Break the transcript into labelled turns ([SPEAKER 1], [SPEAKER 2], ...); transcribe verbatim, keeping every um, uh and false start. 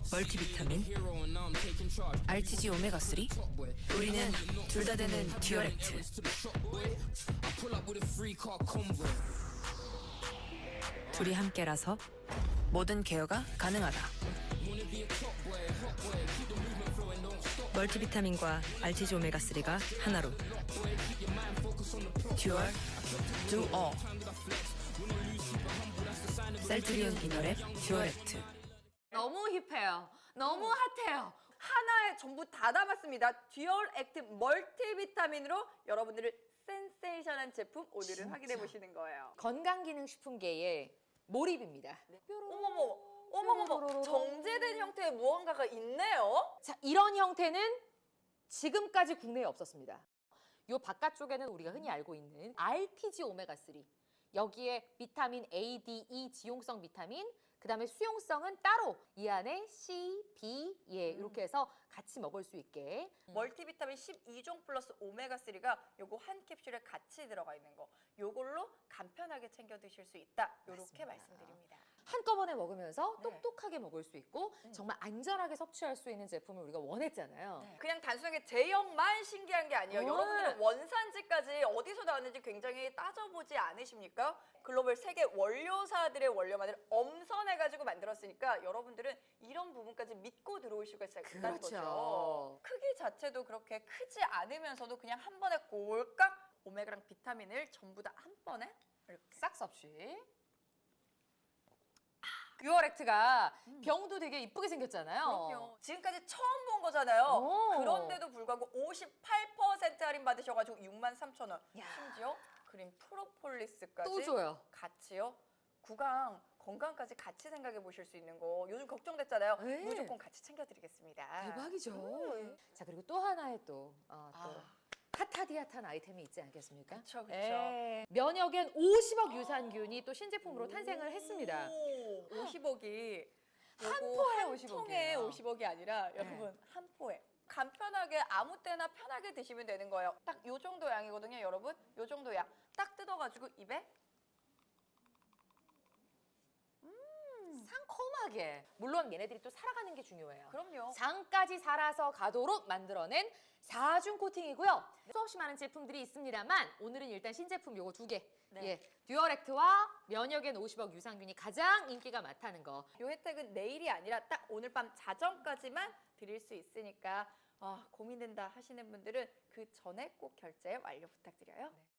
[SPEAKER 1] 멀티비타민, 알티지 오메가삼, 우리는 둘 다 되는 듀얼액트. 둘이 함께라서 모든 케어가 가능하다. 멀티비타민과 알티지 오메가삼가 하나로 듀얼, 두어. 셀트리온 이너랩 듀얼액트.
[SPEAKER 2] 너무 힙해요. 너무 핫해요.
[SPEAKER 3] 하나에 전부 다 담았습니다. 듀얼 액트 멀티비타민으로 여러분들을 센세이션한 제품 오늘은
[SPEAKER 2] 진짜.
[SPEAKER 3] 확인해 보시는 거예요.
[SPEAKER 2] 건강기능식품계의 몰입입니다.
[SPEAKER 3] 어머머, 어머머머, 정제된 형태의 무언가가 있네요.
[SPEAKER 2] 자, 이런 형태는 지금까지 국내에 없었습니다. 요 바깥쪽에는 우리가 흔히 알고 있는 알티지 오메가삼. 여기에 비타민 A, D, E 지용성 비타민, 그 다음에 수용성은 따로 이 안에 C, B 예 이렇게 해서 같이 먹을 수 있게
[SPEAKER 3] 멀티비타민 십이 종 플러스 오메가삼가 요거 한 캡슐에 같이 들어가 있는 거. 요걸로 간편하게 챙겨 드실 수 있다. 요렇게
[SPEAKER 2] 맞습니다.
[SPEAKER 3] 말씀드립니다.
[SPEAKER 2] 한꺼번에 먹으면서
[SPEAKER 3] 네.
[SPEAKER 2] 똑똑하게 먹을 수 있고 정말 안전하게 섭취할 수 있는 제품을 우리가 원했잖아요.
[SPEAKER 3] 네. 그냥 단순하게 제형만 신기한 게 아니에요.
[SPEAKER 2] 네.
[SPEAKER 3] 여러분들은 원산지까지 어디서 나왔는지 굉장히 따져보지 않으십니까? 글로벌 세계 원료사들의 원료만을 엄선해가지고 만들었으니까 여러분들은 이런 부분까지 믿고 들어올 수가 있다는
[SPEAKER 2] 그렇죠.
[SPEAKER 3] 거죠. 크기 자체도 그렇게 크지 않으면서도 그냥 한 번에 골깍 오메가랑 비타민을 전부 다 한 번에 이렇게
[SPEAKER 2] 싹 섭취. 듀얼액트가 병도 되게 이쁘게 생겼잖아요.
[SPEAKER 3] 그럼요. 지금까지 처음 본 거잖아요.
[SPEAKER 2] 오.
[SPEAKER 3] 그런데도 불구하고 오십팔 퍼센트 할인 받으셔가지고 육만 삼천 원.
[SPEAKER 2] 야.
[SPEAKER 3] 심지어 그린 프로폴리스까지
[SPEAKER 2] 또 줘요.
[SPEAKER 3] 같이요. 구강 건강까지 같이 생각해 보실 수 있는 거. 요즘 걱정됐잖아요.
[SPEAKER 2] 네.
[SPEAKER 3] 무조건 같이 챙겨드리겠습니다.
[SPEAKER 2] 대박이죠.
[SPEAKER 3] 음.
[SPEAKER 2] 자, 그리고 또 하나의 또, 어, 또
[SPEAKER 3] 아.
[SPEAKER 2] 핫하디 핫한 아이템이 있지 않겠습니까?
[SPEAKER 3] 그쵸, 그쵸.
[SPEAKER 2] 예. 면역엔 오십억 유산균이 또 신제품으로 탄생을 했습니다.
[SPEAKER 3] 오, 오십억이
[SPEAKER 2] 한 포에
[SPEAKER 3] 한
[SPEAKER 2] 오십억이에요.
[SPEAKER 3] 통에 오십억이 아니라 여러분 한 포에. 간편하게 아무 때나 편하게 드시면 되는 거예요. 딱 요 정도 양이거든요, 여러분. 요 정도 양. 딱 뜯어가지고 입에
[SPEAKER 2] 상콤하게. 물론 얘네들이 또 살아가는 게 중요해요.
[SPEAKER 3] 그럼요.
[SPEAKER 2] 장까지 살아서 가도록 만들어낸 사중 코팅이고요. 수없이 많은 제품들이 있습니다만 오늘은 일단 신제품 요거 두 개.
[SPEAKER 3] 네.
[SPEAKER 2] 예, 듀얼액트와 면역엔 오십억 유산균이 가장 인기가 많다는 거.
[SPEAKER 3] 요 혜택은 내일이 아니라 딱 오늘 밤 자정까지만 드릴 수 있으니까 아, 고민된다 하시는 분들은 그 전에 꼭 결제 완료 부탁드려요.
[SPEAKER 2] 네.